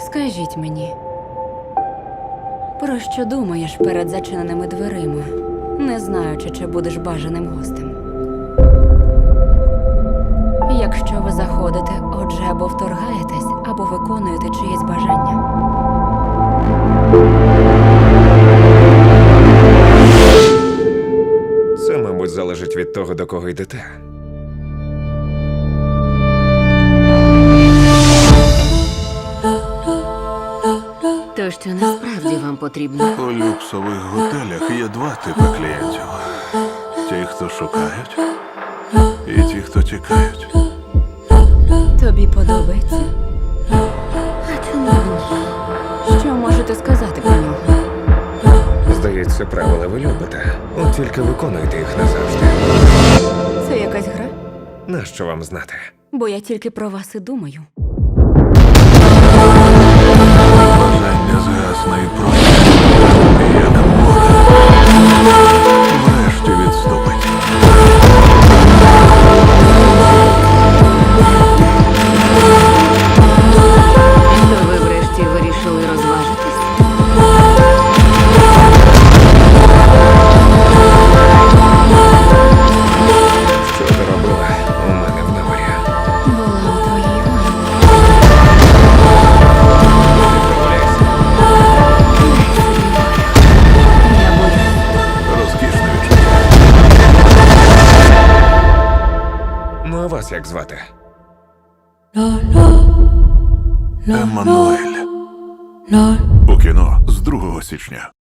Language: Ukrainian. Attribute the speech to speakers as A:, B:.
A: Скажіть мені, про що думаєш перед зачиненими дверима, не знаючи, чи будеш бажаним гостем? Якщо ви заходите, отже, або вторгаєтесь, або виконуєте чиєсь бажання.
B: Це, мабуть, залежить від того, до кого йдете.
A: То, що насправді вам потрібно.
C: У люксових готелях є два типи клієнтів: ті, хто шукають, і ті, хто тікають.
A: Тобі подобається? А чому ні? Що можете сказати про нього?
B: Здається, правила ви любите. От тільки виконуєте їх назавжди.
A: Це якась гра?
B: Нащо вам знати?
A: Бо я тільки про вас і думаю.
C: Бажання згасне і просто, як море. Врешті відступить.
A: То ви врешті вирішили розважитись?
B: Що ти робила у мене в номері?
A: Була у твоїй ванні.
B: Домовляйся.
A: Я боюсь.
C: Розкішне відчуття.
B: Ну, а вас як звати?
C: Еммануель. У кіно з 2 січня.